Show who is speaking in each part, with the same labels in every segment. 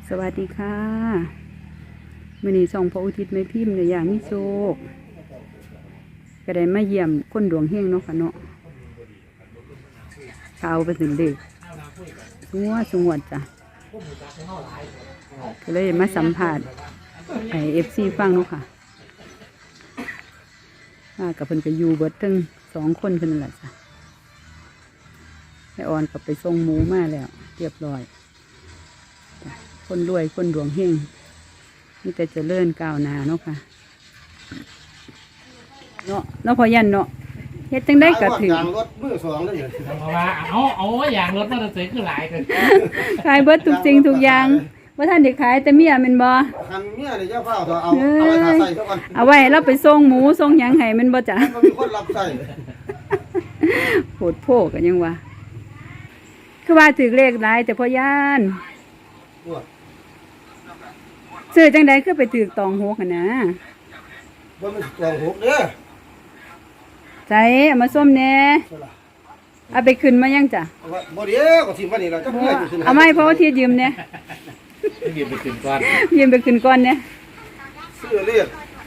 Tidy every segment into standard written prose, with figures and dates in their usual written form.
Speaker 1: สวัสดีค่ะมื้อนี้ส่องพระอุทิศแม่พิมพ์ในอย่างมิโชคก็ได้มาเยี่ยมคนดวงเฮงเนาะค่ะเนาะข่าวไปถึงเด็กสงวดจ้ะก็เลยมาสัมผัสFC ฟังเนาะค่ะมากับเพิ่นก็อยู่เบิดทั้ง2 คนเพิ่นนั่นแหละจ้ะแม่ออนก็ไปส่งหมูมาแล้วเรียบร้อยคนรวยคนดวงเฮงมีแต่เจริญก้าวหน้าเนาะค่ะเนาะพอยันเนาะเฮ็ดจังได้ก็ถึง
Speaker 2: ยางรถมือสองแล้วอยู่
Speaker 3: เพราะว่าเอาอย่างรถมอเตอร์ไซค์คือหลายกัน
Speaker 1: ขายเบิดทุกสิ่งทุกอย่างว่าท่านได้ขายแต่เมียแม่นบ่
Speaker 2: คันเมียเนี่ยเจ้าเฝ้าเถอะเอาไว้ทาใส่เท่ากัน
Speaker 1: เอาไว้ให้เราไปส่งหมูส่งหยังให้แม่นบ่จ้ะ
Speaker 2: มันมีคนรับใส่
Speaker 1: โหดโพกันยังว่าคือว่าถือเลขหลายแต่พอยันซื้อจังได๋คือไปถือตองหกหั่นนะ
Speaker 2: บ่มันกองหกเด้อ
Speaker 1: ใจเอามาส้มแหน่เอาไปขึ้นมายังจ้ะ
Speaker 2: บ่เดี๋ยวก็สิมานี่ล่ะจัก
Speaker 1: บ่
Speaker 2: เมื่อสิขึ้น
Speaker 1: เอามาให้พ่อที่ยืมเนี่ย
Speaker 3: หยิบไปถึงก่อน
Speaker 1: ยืมไปขึ้นก่อนเนี่ย
Speaker 2: ซื้อเลข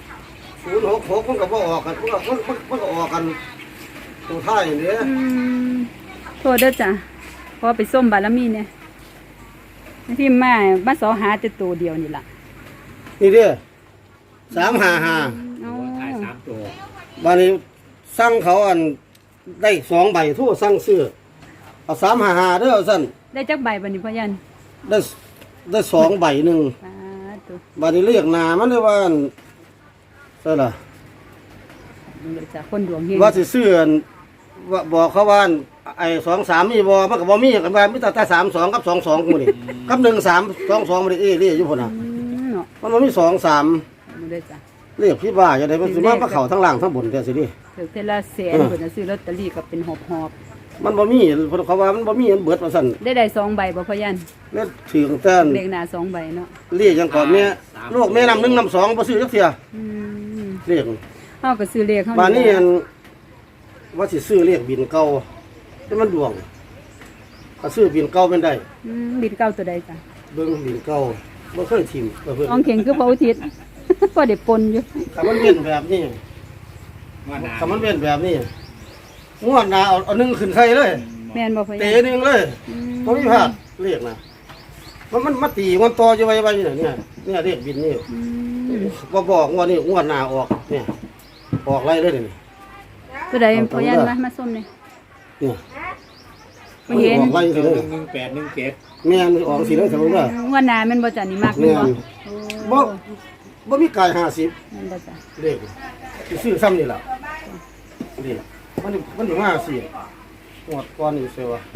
Speaker 2: 066มันก็บ่ออกกันมันก็ออกกันตัวท้ายนี่เด้อ
Speaker 1: โทษเด้อจ้ะพอไปส้มบารมีเนี่ยที่มาสอหาแต่ตัวเดียวนี่ล่ะ
Speaker 2: นี่เด้อ355
Speaker 1: อ๋อ
Speaker 3: ถ่าย3 ตัว
Speaker 2: บัดนี้สั่งเขาอันได้2ใบโทรสั่งซื้อเอา355เด้อซั่น
Speaker 1: ได้จักใบบัดนี้พ่อยัน
Speaker 2: ได้2ใบหนึง
Speaker 1: สาธุ
Speaker 2: บัดนี้เรียกหน้ามันได้ว่าใช่ล่ะ
Speaker 1: เด้อจ้ะคนดวงเฮง
Speaker 2: ว่าสิซื้ออั่นว่าบอกเขาว่าอั่นไอ้23มีบ่มันก็บ่มีกันว่ามีแต่32กับ22กูนี่กับ1322บ่ได้เรียกอยู่พุ่นน่ะ
Speaker 1: เนาะ
Speaker 2: มันบ่มี23
Speaker 1: เด้อจ้ะ
Speaker 2: เรียกพี่บ้าจังได๋มันสิมาเข้าทั้งล่างทั้งบนจังซี่ดิ
Speaker 1: ถือเทอละแสนเพิ่นน่ะซื้อลอตเตอรี่ก็เป็นหอบ
Speaker 2: มันบ่มีเพิ่นเขาว่ามันบ่มีอันเบิดว่าซั่น
Speaker 1: ได้2ใบบ่พ่อยัน
Speaker 2: แล้วถือแต่
Speaker 1: เลขหน้า2ใบเนาะ
Speaker 2: เรียกจังก่อนแม่ลูกแม่นำ1นำ2บ่ซื้อจักเที่ย
Speaker 1: อืม
Speaker 2: เรียก
Speaker 1: เฮาก็ซื้อเลขเฮา
Speaker 2: บาดนี้อันว่าสิซื้อเรียกบินเก่าแต่มันดวงก็ซื้อบินเก่าเป็นได้
Speaker 1: บิดเก้าตัวใดจ้ะ
Speaker 2: เบิ่งบินเก่าบ่เคยทิ่มเพิ่น
Speaker 1: อองเข่งคือพระอุทิศ พอได้ปนอยู่
Speaker 2: ถ้ามันเป็นแบบนี้
Speaker 3: ว่าหนา
Speaker 2: ถ้ามันเป็นแบบนี้งวดหน้าเอาหนึ่งขึ้นใส่เลย
Speaker 1: แม่นบ่พ่อ
Speaker 2: เตะ
Speaker 1: ยัน
Speaker 2: หนึ่งเลยบ่มีพลาดเรียกนะมันมาตีมันต่ออยู่ไว้อยู่เนี่ยเรียกบินนี่บ่บอกงวดนี้งวดหน้าออกเนี่ยออกไรเลยนี่
Speaker 1: ตัวใดพ่อยันมาส้มนี่
Speaker 2: เนี่ย
Speaker 1: บ่เห็น
Speaker 2: ออกไรสิเลย
Speaker 3: 1817
Speaker 2: แม่นออกสิเลยสมมุติว่า
Speaker 1: งวดหน้าแม่นบ่จ้ะนี่มักแม่
Speaker 2: แม่
Speaker 1: น
Speaker 2: น
Speaker 1: บ่
Speaker 2: บ่มีกาย50
Speaker 1: แม่นบ่จ้ะ
Speaker 2: เลขสิซื้อซ้ำนี่ล่ะนี่มันอยู่มาสิงวดก่อนนี่เสียวะ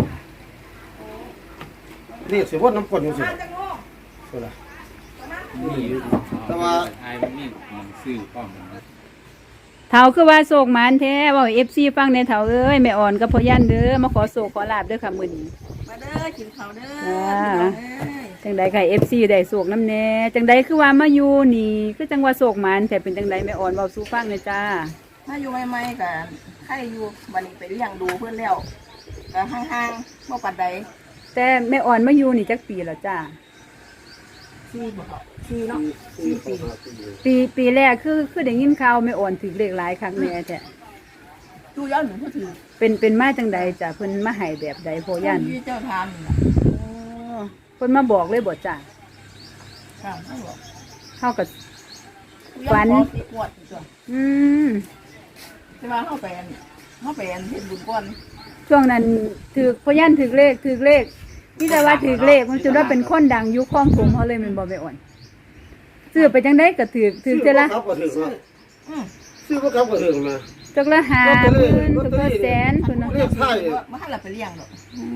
Speaker 2: เลขสิวนน้ำก้นอยู่สิเสียวล่ะ
Speaker 3: นี่อยู่
Speaker 2: แต่ว่า
Speaker 3: ไอ้มันนี่มันซื้อป้อมมัน
Speaker 1: เฒ่าคือว่าโศกหมานแท้เว้า FC ฟังในเฒ่าเอ้ยแม่อ่อนกับพ่อยันเด้อมาขอโศกขอลาบเด้อค่ะมื้อนี้
Speaker 4: มาเด้อกินข้าวเด้อ
Speaker 1: จังใดค่ะ FC ได้โศกน้ำแน่จังใดคือว่ามาอยู่นี่คือจังว่าโศกหมานแต่เป็นจังใดแม่อ่อนเว้าสู่ฟังหน่อยจ้า
Speaker 4: ถ้าอยู่ใหม่ๆกันใครอยู่วันนี้ไปเลี้ยงดูเพื่อนแล้วก็ห่างๆบ่ปัดใด
Speaker 1: แต่แม่อ่อนมาอยู่นี่จักปีแล้วจ้า
Speaker 4: 4บ่4เนาะ4 ปี
Speaker 1: ปีแรกคือได้ยินข่าวแม่อ่อนถือเลขหลายครั้งแน่แท้
Speaker 4: ดูย้อนหนึ่งผู้ถือ
Speaker 1: เป็นมาจังใดจ้ะเพิ่นมาให้แบบใดพ่อยัน
Speaker 4: ที่เจ้าทานนี่ล่ะ
Speaker 1: เพิ่นมาบอกเลยบ่จ้ะ
Speaker 4: ค่ะไม่บอก
Speaker 1: เฮาก็
Speaker 4: ฝันสิปวดอีกตัว
Speaker 1: อืม
Speaker 4: ใช่ว่าเฮาไปอันเฮ็ดบุญก่อน
Speaker 1: ช่วงนั้นถือพ่อยันถือเลขนี่แต่ว่าถือเลขมันจนว่าเป็นคนดังยุคคลองถมเฮาเลยแม่นบ่แม่อ่อนซื้อไปจังได๋ก็ถือเท่าละ
Speaker 2: ครับก็ถึงเนาะ
Speaker 4: อือ
Speaker 2: ซื้อบ่ครับก็ถึงนะ
Speaker 1: จักละ50,000จักละแสนเพิ่นน่ะ
Speaker 2: เรียกไทย
Speaker 4: บ่ทันละไปเลี้ยงดอก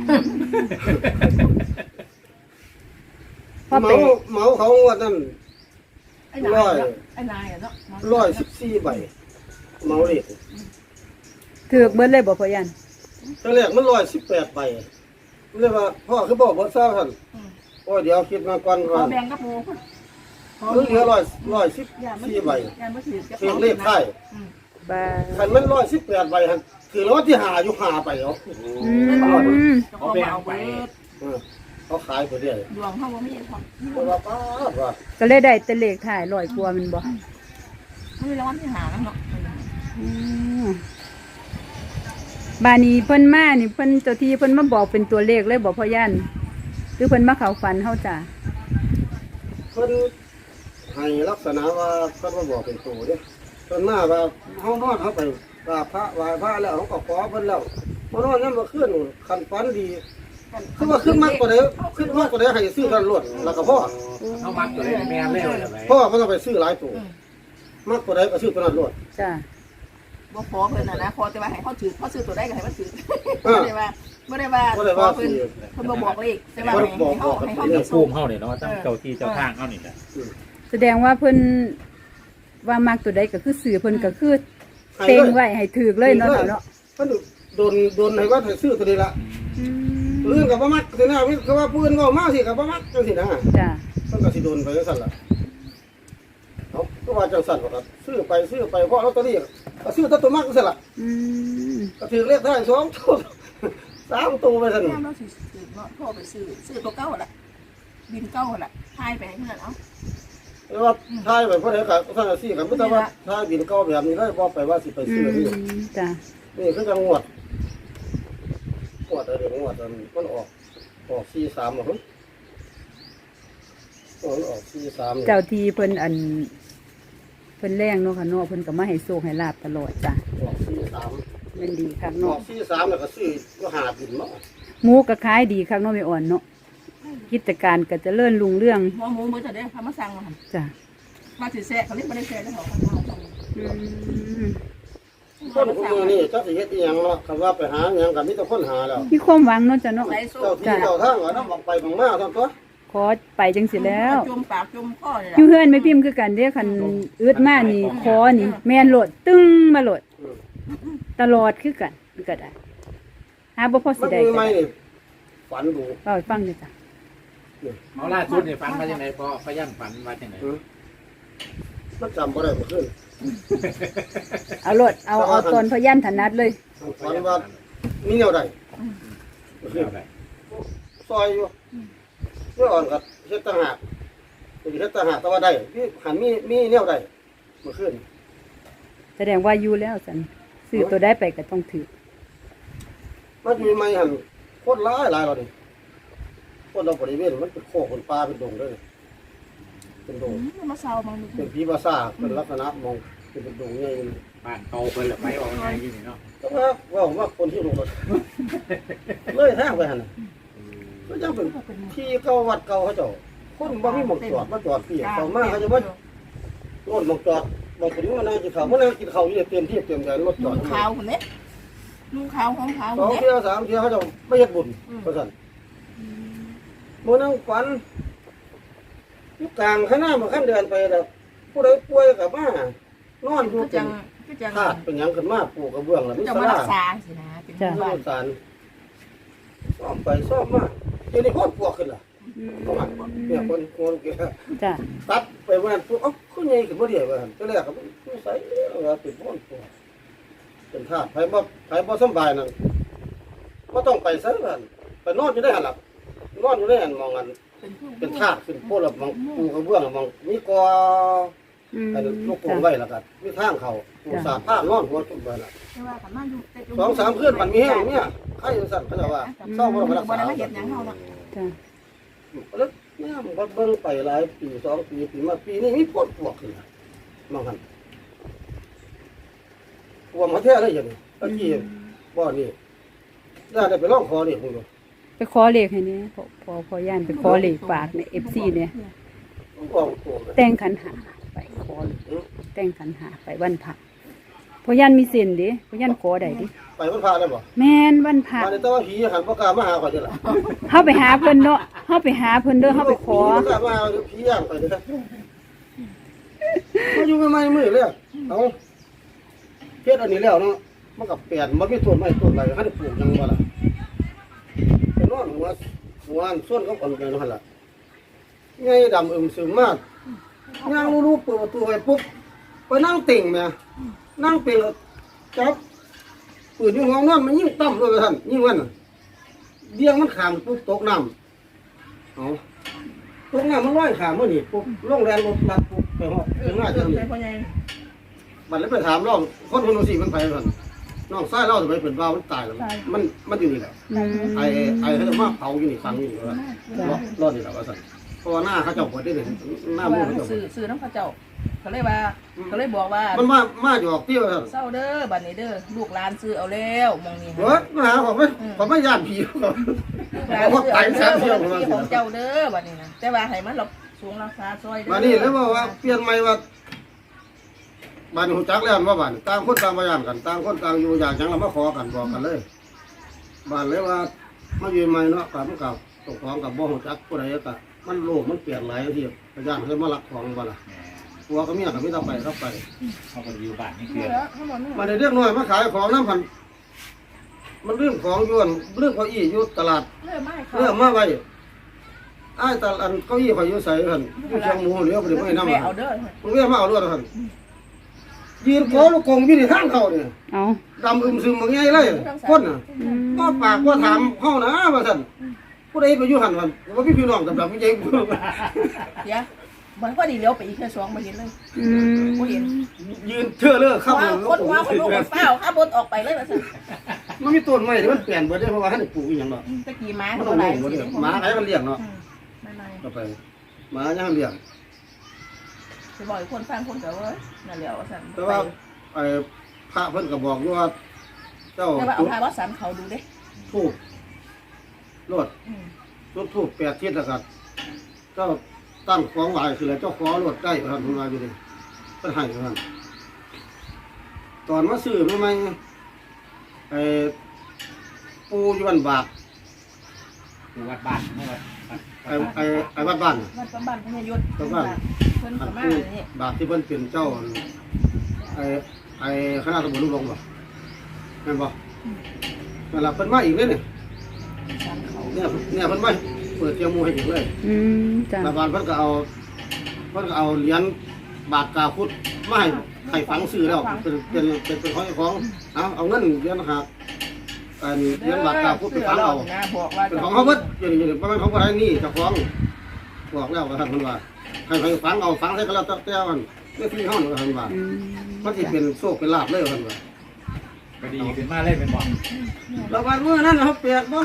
Speaker 1: พอ
Speaker 2: เห
Speaker 1: ไป
Speaker 2: มาเขาว่านั่น
Speaker 4: ไอ้นายเนาะไอ้นายอะเนาะ
Speaker 2: 114ใบเหมาเลข
Speaker 1: ถือเบิดเลยบ่พ่อยัน
Speaker 2: ตอนแรกมัน118ใบเรียกว่าพ่อคือบอกบ่ทราบท่านโอ้ยเดี๋ยวคิดมาก่อน
Speaker 4: ข
Speaker 2: ว่า
Speaker 4: อแบ่งกับหมู่พุ่น
Speaker 2: เหลือ114ใบ
Speaker 4: ย่ามาถือกับ
Speaker 2: เรียกเลขไทย
Speaker 1: บ่า
Speaker 2: คันมัน118ใบหั่นคือรางวัลที่5อยู่5ไปเอา
Speaker 1: อืม
Speaker 4: เขาแบ่งเอาไป
Speaker 2: เออเขาขายไปเรื่อย
Speaker 4: ดวงเขาบ่มีพอ
Speaker 2: เพราะว่าป้าดว่า
Speaker 1: ก็เลยได้แต่เลขถ่ายร้อยกว่าแมันบ่
Speaker 4: เขามีรางวัลที่หาแล้วเนาะ
Speaker 1: อืมบานี้เพิ่นมานี่เพิ่นเจ้าที่เพิ่นมาบอกเป็นตัวเลขเลยบอกพ่อย่านหรือเพิ่นมาเข้าฝันเฮาจ้ะ
Speaker 2: เพิ่นให้ลักษณะว่าเพิ่นมาบอกเป็นตัวเด้เพิ่นมาว่าเฮานอนเฮาไปกราบพระไหว้พระแล้วเฮาก็ขอเพิ่นแล้วมานอนนำมาคืนคันฝันดีคือว่าขึ้นมากกว่าใดขึ้นมากกว่าใดให้ซื้อกันรวดแล้วก็พ่อ
Speaker 3: เขามักตัวเลยแม่เล่เลยไป
Speaker 2: พ่อมันต้องไปซื้อหลายตัวมากกว่าใดก็ซื้อตัวนั้นรวด
Speaker 1: จ้ะ
Speaker 4: บ่ขอเพิ่นน่ะนะขอแต่ว่าให้เขาถือเขาซื้อตัวได้ก็ให้มันถือ
Speaker 2: เอ
Speaker 4: บ่
Speaker 2: อ
Speaker 4: ได้ว่าบ่ได้ว่า
Speaker 2: บ่ได้
Speaker 4: ขอ
Speaker 2: ว่า
Speaker 4: เพิ่น
Speaker 2: สิ
Speaker 4: เพิ่นบ่บอกเลขแต่ว่าให้เขา
Speaker 3: เรื่
Speaker 4: มี
Speaker 3: อง
Speaker 4: โช
Speaker 3: ภู
Speaker 4: ค
Speaker 3: มิเฮาเนี่ยเนาะตั้งเจ้าที่เจ้าทางเฮานี่แหละ
Speaker 1: แสดงว่าเพิ่นว่ามักตัวใดก็คือสื่อเพิ่นก็คือเต็งไว้ให้ถูกเลยเนาะเนาะ
Speaker 2: เพิ่นโดนให้ว่าให้ซื้อตัวนี้ละ
Speaker 1: อืม
Speaker 2: เรื่องกับบ่มักสินะก็ว่าปืนก็มาสิกับบ่มักจังซี่นะ
Speaker 1: จ้ะ
Speaker 2: เพิ่นก็สิโดนไปจังซั่นล่ะเอ้าก็ว่าจังซั่นบ่ครับซื้อไปเพราะลอตเตอรี่ก็ซื้อตัวมักจังซั่นล่ะ
Speaker 1: อืม
Speaker 2: ก็ถือเลขท้าย2ตัว3ตัวไปซั่น
Speaker 4: แม่เราสิถือเนาะโทรไปซื้อตัวเก่าล่ะบินเก่าล่ะทายไปให้เพิ่นเอา
Speaker 2: แต่ว่าท้ายไปเพราะใดก็ท่านสิก็บ่ต้องว่าท้ายบินเก่าแบบนี้เลยบ่ไปว่าสิไป
Speaker 1: อื
Speaker 2: ซื้อนี่
Speaker 1: มจ้ะ
Speaker 2: นี่คือจังงวดอะไรงวดมันออก43บ่ฮึมันออก43
Speaker 1: เจ้าที่เพิ่นเพิ่นแรงเนาะค่ะเนาะเพิ่นก็มาให้โชคให้ลาบตลอดจ้ะ
Speaker 2: ออก43
Speaker 1: แม่นดีคัก
Speaker 2: ออ
Speaker 1: เนาะ
Speaker 2: ก43แล้วก็ซื้อก็หาบินเนาะ
Speaker 1: หมูก็ขายดีคักเนาะแม่อ่อนเนาะกิจการก็เจริญรุ่งเรือง
Speaker 4: หัวหมูมื้อจะได้พามาสั่งมาหั่น
Speaker 1: จ้ะ
Speaker 4: มาสิแซ่เขาเรียกบ่ได้แซ่แล้วเขาเอาสั่ง
Speaker 1: อืม
Speaker 2: คนพวกมือนี่เจ้าสิเฮ็ดอีหยังเนาะคำว่าไปหาหยังก็มีแต่คนหาแล้ว
Speaker 1: มีความหวังเนาะจ้ะเนาะ
Speaker 4: ใส่โซ่
Speaker 2: เจ้าที่เจ้าทางว่าน้ำบักไปบังมาซั่นตัว
Speaker 1: ขอไปจังสิแล้ว
Speaker 4: จมปากจมคอนี่
Speaker 1: อ
Speaker 4: ล่ะ
Speaker 1: ยู่เฮือนไม่พิมพ์คือกันเด้อคันอึดมานี่ขอนี่ แม่นโหลดตึ้งมาโหลด ตลอดคือกันมันก็ได้หาบ่พอสิ
Speaker 2: มัน
Speaker 1: ได้
Speaker 2: มี
Speaker 1: ก็
Speaker 2: ไหม
Speaker 1: ได้
Speaker 2: นี่ฝันดู
Speaker 1: เล่าให้ฟังเด้อจ้ะ
Speaker 3: เอาล่าสุดนี่ฝันว่าจังไดพอพยันฝันว่าจังได
Speaker 2: มันจำบ่ได้เมื่อคืน
Speaker 1: เอาโหลดเอาตอนพยันถนัดเลย
Speaker 2: ฝันว่ามีแนวใดเมื่อคืน
Speaker 3: เอาได้
Speaker 2: ซอยอยู่เมื่ออ่อนกับเฮ็ดต่างหากเฮ็ดต่างหากแต่ว่าได้หันมีแนวใดเมื่อคืน
Speaker 1: แสดงว่าอยู่แล้วสันซื้อตัวได้ไปก็ต้องถือ
Speaker 2: มันมีไหมหันโคตรหลายแล้วนี่คนเราบริเวณมันเป็นโคกเป็นป่าเป็นดงเลยเป็นดง
Speaker 4: มาเซามาดู
Speaker 2: เป็นผีภาษาเป็นลักษณะมองเป็นดงใหญ่
Speaker 3: บ้านเก่าเพิ่นละไปออกไงอยู่นี่เนาะ
Speaker 2: ก็ว่าคนที่ลงรถเลยทางไปหันก็ยังเป็นที่เก่าวัดเก่าเขาเจ้าคนบ่มีหมองจอดมาจอดเปียกต่อมาเขาจะว่าโน่นหมองจอดบางคนว่านั่งกินข้าวมานั่งกินข้าวอยู่เต็มที่เต็มใจรถจอด
Speaker 4: ขาวคนนี้ลูกขาวของขาว
Speaker 2: สอง
Speaker 4: คนนี้
Speaker 2: เที่ยวสามเที่ยวเขาจะไม่เฮ็ดบุญเพราะฉะนั้นโมนั่งฝันอยู่กลางข้างหน้ามาขั้นเดินไปแล้วผู้ใดป่วยกับมานอนอยู่
Speaker 4: ก็
Speaker 2: เป็
Speaker 4: จั
Speaker 2: น
Speaker 4: งก็จัง
Speaker 2: ธาตุเป็นหยังขึ้นมาปลูกกระเบื้องแล้วมี
Speaker 4: จะ
Speaker 2: ส
Speaker 4: มา
Speaker 2: ลา
Speaker 4: รักษาสินะเป็น
Speaker 2: มี
Speaker 4: บ้าน
Speaker 2: สารซ่อมไปซ่อมมาเดี๋ยวนี้โคตรปวดขึ้นล่ะเนี่ยคนเกี่ย
Speaker 1: จ้ะ
Speaker 2: ตัดไปวันนั้นปุ๊บเอ้าขึ้นใหญ่ขึ้นบ่ได้ว่าหั่นตัวแรกก็ไม่ใส่ว่าเป็นพ่นปวดเป็นธาตุไผบ่สำบายนั่นบ่ต้องไปไสว่าหั่นไปนอนอยู่ได้หั่นล่ะนอนอยู่ได้หั่นมองกันเป็นธาตุขึ้นโพดแล้วมองปลูกกระเบื้องมองมีกอ
Speaker 1: อืม
Speaker 2: ไอ้ลูกปู
Speaker 1: จ้ะ
Speaker 2: ไว้แล้วก็มีทางเขาปูสาดผ้านอนหัวจุ่มไปน่ะ
Speaker 4: แต่ว่ากันมาอยู่แต่
Speaker 2: สองสามเพื่อนมันมีแห้งเนี่ยใครสั่นเขาจะว่าเศร้าบ่ต้องรัก
Speaker 4: บ่
Speaker 2: ษา
Speaker 4: ได้มาเฮ็ดหยังเฮาเนาะ
Speaker 1: จ้ะ
Speaker 2: แล้วเนี่ยมันก็เบิ่งไปหลายปี2 ปีมาปีนี้มีปวดขึ้นน่ะมองหันปวดมาแท้เลยอย่างนี้ตะกี้บ่นี่ได้ไปร้องขอนี่พุ่น
Speaker 1: ไปขอเลขให้เนี่ยพอย่านไปขอเลขฝากใน FC เนี่ย
Speaker 2: บ่ตัว
Speaker 1: แต่งขันหาไปขอแต่งขันหาไปวันพระพอย่านมีเส้นดิพอย่านขอได้ดิ
Speaker 2: ไปมันพาได้บ่
Speaker 1: แม่นวันพระ
Speaker 2: มาในแต่ว่าผีหันบ่กล้ามาหาข่อยเด้อล่ะ
Speaker 1: เฮาไปหาเพิ่นเนาะเฮาไปหาเพิ่นเด้อเฮาไปขอ
Speaker 2: บ่กล้ามาหาผีย่างข่อยเด้อมาอยู่ใหม่ๆมื้อเลยเอาเฮ็ดอันนี้แล้วเนาะมันก็เปลี่ยนบ่มีต้นไม้ต้นอะไรให้ปลูกหยังบ่ล่ะไปนอนหัวอันส่วนเขาคนไปนั่นล่ะไงดำซึมมากย่างรู้ๆเปิดประตูไปปุ๊บไปนั่งติ่งแม่นั่งเป็นจับปืนอยู่ห้องนอนมันยิ่งต่ำเลยท่านยิ่งวันน่ะเดียงมันขามปุ๊บตกน้ำเอาตรงนั้นมันร้อยขาเมื่อนี่ปุ๊บลงแรงรถลัดปุ๊บไปหอดถึงหน้าเจ้านี่
Speaker 4: พ่อใหญ่
Speaker 2: บัดแล้วไปถามน้องคนคนนู้นสิมันไปกันน้องซ้ายเล่าจะไปเป็นบ้ามันตายแล้วมันอยู่นี่แหละ
Speaker 1: อืม
Speaker 2: ไอ้เขาจะมาเผาอยู่นี่ฟังอยู่นี่ว่ารอดนี่แหละว่าสั่นเพราะว่าหน้าเขาเจ้าปวดได้เลยหน้ามือเขาเจ้า
Speaker 4: ซื้อน้ำพระเจ้าเขาเลยว่าเขาเลยบอกว่า
Speaker 2: มันมาอยู่ออกเตี้ยวสั่น
Speaker 4: เศร้าเด้อบัดนี้เด้อลูกหลานซื้อเอาแล้วมองนี่
Speaker 2: เฮ้ยมาหาผมไม่ย่านผี
Speaker 4: ลูกหลานซื้อเอาแล้วที่ของเจ้าเด้อบัดนี้นะแต่ว่าให้มันหลบสูงราคาซอยเด้อ
Speaker 2: มานี่แล้วว่าเปลี่ยนใหม่ว่าบ้านหูจักแล้วว่าบ้านต่างคนต่างพยานกันต่างคนต่างอยู่อยากจังเรามาขอกันบอกกันเลยบ้านเลยว่ามาอยู่ใหม่เนาะกับมันกับตกของกับบ่หูจักผู้ใดก็มันโลกมันเปลี่ยนหลายที่พยานเคยมาลักของบ้านละผัวก็เมียก็ไม่ต้องไปรับไป
Speaker 3: เขาก็อยู่บ้านนี่
Speaker 4: เ
Speaker 3: คือ
Speaker 2: มาได้เรียกน้อยมาขายของน้ำพันมันเรื่องของยวนเรื่องเก้าอี้อยู่ตลาด
Speaker 4: ริ่มไม่เขา
Speaker 2: เรื่องมาไว้ไอ้ตลาดเก้าอี้คอยอยู่ใส่กันอยู่เชียงหมูเหลียวไปไม่น้ำ
Speaker 4: แม่
Speaker 2: มัน
Speaker 4: เอาเด้อ
Speaker 2: มันเรียกมาเอาด้วยกันยืนโผล่ลูกกงอยู่ในทางเขาเนี่ย
Speaker 1: เอา
Speaker 2: ดำอึมซึมบางไงเลยคนน่ะ
Speaker 1: อืม
Speaker 2: ก็ปากว่าถามเขานะว่าท่านผู้ใดไปอยู่หันวันว่าพี่พี่น้องดำๆไม่ใช่
Speaker 4: เดี๋ยวมันก็ดีเลี้ยวไปอีกแค่สองมาเห็นเลย
Speaker 1: อืม
Speaker 4: บ่เห็น
Speaker 2: ยืนเชื่อเลิกเข้า
Speaker 4: ว่าคนว่าคนลูกคนเฝ้าข้าบนออกไปเลยว่าซั่น
Speaker 2: มันมีต้นไม้ที่มันเปลี่ยนไปได้เพราะว่าท่านปลูกอย่างเนาะ
Speaker 4: ตะกี้ม้า
Speaker 2: มัน
Speaker 4: เขา
Speaker 2: ต้อง
Speaker 4: หลาย
Speaker 2: ลงหมดเลย
Speaker 4: สิ
Speaker 2: หมาใครมันเลี้ยงเนาะ
Speaker 4: ไม่ไม่
Speaker 2: ก็ไปหมาย่างเลี้ยง
Speaker 4: สิบอกอีกคนฟังคนก็ว่านั่นแหละว่าซั่น
Speaker 2: แต่ว่าไอ้พระเพิ่นก็บอกอยู่ว่าเจ้า
Speaker 4: แต่ว่าเอา
Speaker 2: จุด
Speaker 4: พาวัดสันเขาดูเด้
Speaker 2: ทูบรดจุดทูบ8 ทิศแล้วก็เจ้าตั้งของไหว้คือแล้วเจ้าขอรดได้ท่านเพิ่นว่าอยู่ดิเพิ่นให้ท่านตอนมาซื้อใหม่ๆไอ้ปูอยู่บ้านบาก
Speaker 3: อยู่วัดบ้านเมื่อวัด
Speaker 2: ไอ้วัดบ้านน่ะ
Speaker 4: วัดประบ้านพญายศเพิ่นก็มา
Speaker 2: ปู
Speaker 4: นี่
Speaker 2: บากที่เพิ่นเป็นเจ้าไอ้คณะตำรวจลูกหลงบ่แม่นบ่นั่นล่ะเพิ่นมาอีกเลยนี่
Speaker 4: สันเขา
Speaker 2: เนี่ยเพิ่นมาเปิดเตียงหมูให้อีกเลย
Speaker 1: อืมจ้ะ
Speaker 2: รัฐบาลเพิ่นก็เอาเหรียญบาทกาพุทธมาให้ฝังซื้อแล้วเป็นของเอาเงินเหรียญหักอันเหรียญบาทกาพุทธไปฝังเอา
Speaker 4: นะบอกว่า
Speaker 2: เป็นของเขาเบิดอยู่บ่แม่นของบ่ได้นี่เจ้าของบอกแล้วว่าท่านเพิ่นว่าให้ฝังเอาฝังใส่ก็แล้วแต่มันนี่ที่เฮานี่ว่าท่านว่า
Speaker 1: อืม
Speaker 2: มันสิเป็นโชคเป็นลาภเลยว่าท่านว่า
Speaker 3: ก็ดีขึ้นมาเลยเป็นบ่
Speaker 2: แล้ววันเมื่อนั้นเขาเปียกบ่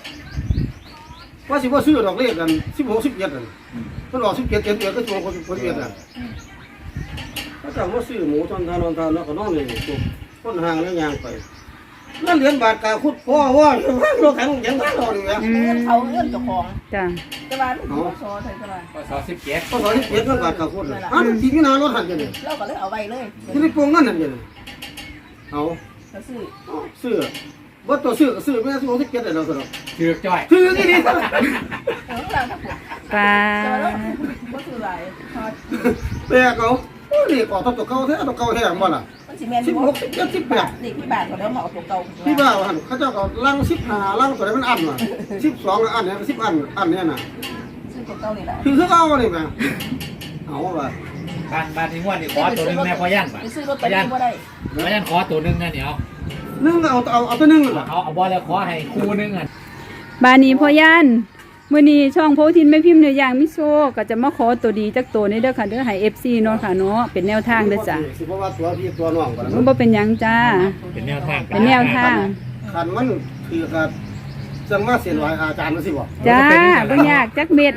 Speaker 2: ว่าสิบ่ซื้อดอกเลขกัน16 17นั่นเพิ่นออก17 17ก็ช่วงคนเวียดน่ะเขาเจ้ามาซื้อหมูตอนทานแล้วก็นอนนี่คนห่างแล้วย่างไปนั่นเหรียญบาทกาคุดพ่อว่ารถแข็งยังทันรอนี่แหละ
Speaker 1: อื
Speaker 4: เงิน
Speaker 1: ม
Speaker 4: เขาเงินเจ้าของ
Speaker 1: จ้ะ
Speaker 4: แต่ว่าลูกเขาซอใส่ตลาด
Speaker 3: ก็17
Speaker 2: ก็ตอนนี้เปียกเงินบาทกาคุดเลยที่มีนารถหันจังนี่
Speaker 4: เราก็เลยเอาไว้เลย
Speaker 2: ที่นี่ปรุงนั่นนั่นจังเอา
Speaker 4: ก็ซื้อ
Speaker 2: ซื้อบ่ตัวซื้อก็ซื้อแม่16 17ได้แล้วซะดอก
Speaker 3: ถือจ้อย
Speaker 2: ซื้อที่นี่
Speaker 4: เออเราทั้งหมด
Speaker 1: ปลา
Speaker 4: แต่ว่าเราบ่ซื้อหลายพอ
Speaker 2: แปลกเอาโอ้นี่ก็ตัวเก่าแท้ตัวเก่าแท้บ่ล่ะ
Speaker 4: มันสิแม่น
Speaker 2: 16 17 18
Speaker 4: นี่ที่บ้านก็แล้วมาเอาตัวเก่า
Speaker 2: พี่บ้าว่าหั่นเขาเจ้าก็ลัง15ลังตัวไหนมันอันน่ะ12อันเนี่ย10อันเนี่ยน่ะ
Speaker 4: ซื้อตัวเก่านี่แหละ
Speaker 2: คือเอานี่แม่เอาว่า
Speaker 3: บ้านที่งวดนี่ขอตัวนึงแม่พ่อย่านบ่
Speaker 4: ไปซื้อรถตอรี่บ่ได้
Speaker 3: พ่อย่านขอตัวนึงนะเดี๋ยว
Speaker 2: นึงเอาตัวนึงล่ะ
Speaker 3: เอาบ่แล้วขอให้คู่นึงอ่ะ
Speaker 1: บานี้พ่อย่านมื้อนี้ช่องโพธินแม่พิมพ์เนื้อย่างมิโซก็จะมาขอตัวดีจักตัวนี้เด้อค่ะเด้อให้ FC เนาะค่ะเนาะเป็นแนวทางเด้อจ้ะ
Speaker 2: สิบ่ว่าตัวพี่ตัวน้องบ่ล่ะ
Speaker 1: มันบ่เป็นหยังจ้า
Speaker 3: เป็นแนวทาง
Speaker 1: เป็นแนวทาง
Speaker 2: คันมันคือก็จังว่าเสียนไหวอาจารย์มันสิบ่
Speaker 1: จ้าบ่ยากจักเม็ด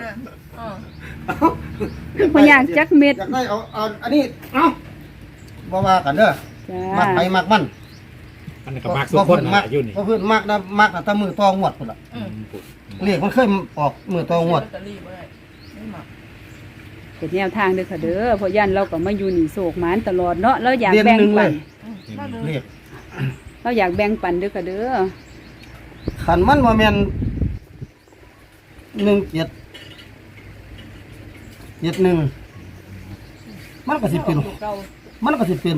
Speaker 1: บ่ยากจักเม็ด
Speaker 2: อยากได้เอาอันนี้เอาบ่ว่ากันเด้อ
Speaker 1: จ้
Speaker 2: มักไป
Speaker 1: า
Speaker 2: มักมัน
Speaker 3: มันก็มักทุกคนนะอยู่นี่
Speaker 2: บ่เพิ่นมักนะมักแต่มือตองวดพุ่นล่ะเลขมันเคยออกมือตองวด
Speaker 4: ลอตเตอรี่บ่ได้ไม่เหมาะ
Speaker 1: เป็นแนวทางเด้อค่ะเด้อพ่อย่านเราก็มาอยู่นี่โศกหมานตลอดเนาะเราอยาก
Speaker 2: เดือน
Speaker 1: แบ่ง
Speaker 2: หนึงเล
Speaker 1: ปั
Speaker 2: ย
Speaker 1: น
Speaker 2: เลข
Speaker 1: เราอยากแบ่งปันเด้อค่ะเด้อ
Speaker 2: ขันมันบ่แม่น1771มันก็สิเป็น
Speaker 4: ตัวเก่า
Speaker 2: มันก็สิเป็น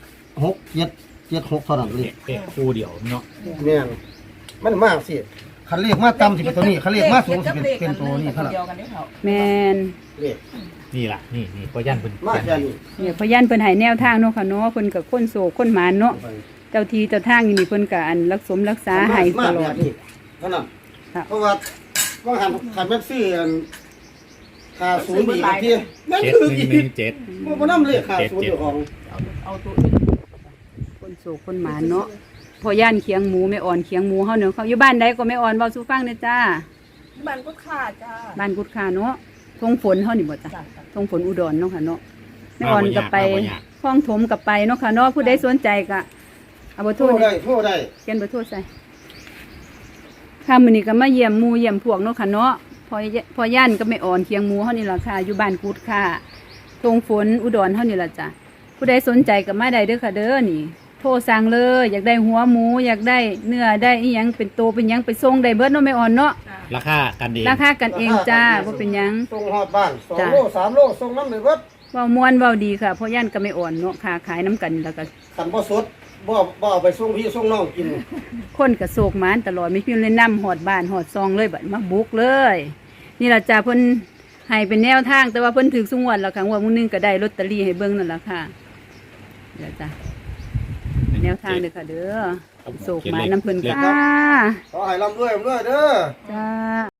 Speaker 2: 6776เท่านั้นเลย
Speaker 3: เด็กคู่เดียวเนาะ
Speaker 2: แม่นมันมากสิคันเลขมาต่ำสิเป็นตัวนี้คันเลขมาสูงสิเป็นตัวนี้เท่านั้น
Speaker 4: เดียวกันได้เขา
Speaker 1: แม่น
Speaker 2: เลข
Speaker 3: นี่ล่ะนี่พ่อย่านเพิ่น
Speaker 2: มาแค่นี้
Speaker 1: เนี่ยพ่อย่านเพิ่นให้แนวทางเนาะค่ะเนาะเพิ่นก็คนโศกคนหมานเนาะเจ้าทีเจ้าทางนี่เพิ่นก็อันรักษาให้
Speaker 2: มา
Speaker 1: ตล
Speaker 2: แบ
Speaker 1: อด
Speaker 2: บนี้เท่านั้น
Speaker 1: ค่ะ
Speaker 2: เพราะว่าว่าหันขันแม่ซื้อค่าศูนย์อีกทีแม่น
Speaker 5: เจ็ด
Speaker 2: คือ
Speaker 5: หนึ่
Speaker 2: อี
Speaker 5: ง
Speaker 2: ก
Speaker 5: หนึ่งเจ็ด
Speaker 2: บ่นำเลขค่าศูนย์เจ้าของ
Speaker 4: เอาตัวอื่น
Speaker 1: คนโศกคนหมานเนาะพอย่านเคียงหมูไม่อ่อนเคียงหมูเฮาเนาะเขาอยู่บ้านใดก็ไม่อ่อนเว้าสู่ฟังเด้อจ้า
Speaker 4: บ้านก็ขาดจ้า
Speaker 1: บ้านกุดคาเนาะทงฝนเฮานี่บ่จ้ะ
Speaker 4: จ้า
Speaker 1: ทงฝนอุดรเนาะค่ะเนาะไม่อ่อนก็ไปคลองถมก็ไปเนาะค่ะเนาะผู้ใดสนใจก็เอาเบอร์โท
Speaker 2: โท
Speaker 1: ร
Speaker 2: ร
Speaker 1: นี่
Speaker 2: ได้โทรได้
Speaker 1: เขียนเบอร์โทรใส่ค่ะมื้อนี้ก็มาเยี่ยมหมู่เยี่ยมพวกเนาะค่ะเนาะพอย่านก็ไม่อ่อนเคียงหมูเฮานี่ล่ะค่ะอยู่บ้านกุดคาทงฝนอุดรเฮานี่ล่ะจ้ะผู้ใดสนใจก็มาได้เด้อค่ะเด้อนี่ โทรสั่งเลยอยากได้หัวหมูอยากได้เนื้อได้อีหยังเป็นโตเป็นหยังไปส่งได้เบิดเนาะไม่อ่อนเนาะ
Speaker 4: จ้า
Speaker 5: ราคากันเอง
Speaker 1: ราคากันเองจ้าบ่เป็นหยัง
Speaker 2: ส่งฮอดบ้าน
Speaker 1: จ้ะ
Speaker 2: 2โล3โลส่งนำได้เบิด
Speaker 1: เว้าม่วนเว้าดีค่ะเพราะย่านก็ไม่อ่อนเนาะค้าขายน้ำกันแล้วก็
Speaker 2: คันบ่สดบ่เอาไปส่งพี่ส่งน้องกิน
Speaker 1: คนก็โศกหมานตลอดไม่พิมพ์เลยนำหอดบ้านหอดซองเลยบัดมาบุกเลย นี่ล่ะจ้าเพิ่นให้เป็นแนวทางแต่ว่าเพิ่นถือสุงวดแล้วค่ะงวดมื้อนึงก็ได้ลอตเตอรี่ให้เบิ่งนั่นล่ะค่ะเดี๋ยวจ้าแนวทางเด้อค่ะเด้อโศกหมานน้ำเพิ่นค่ะ
Speaker 2: ขอให้ร่ำรวยเด้อ
Speaker 1: จ้า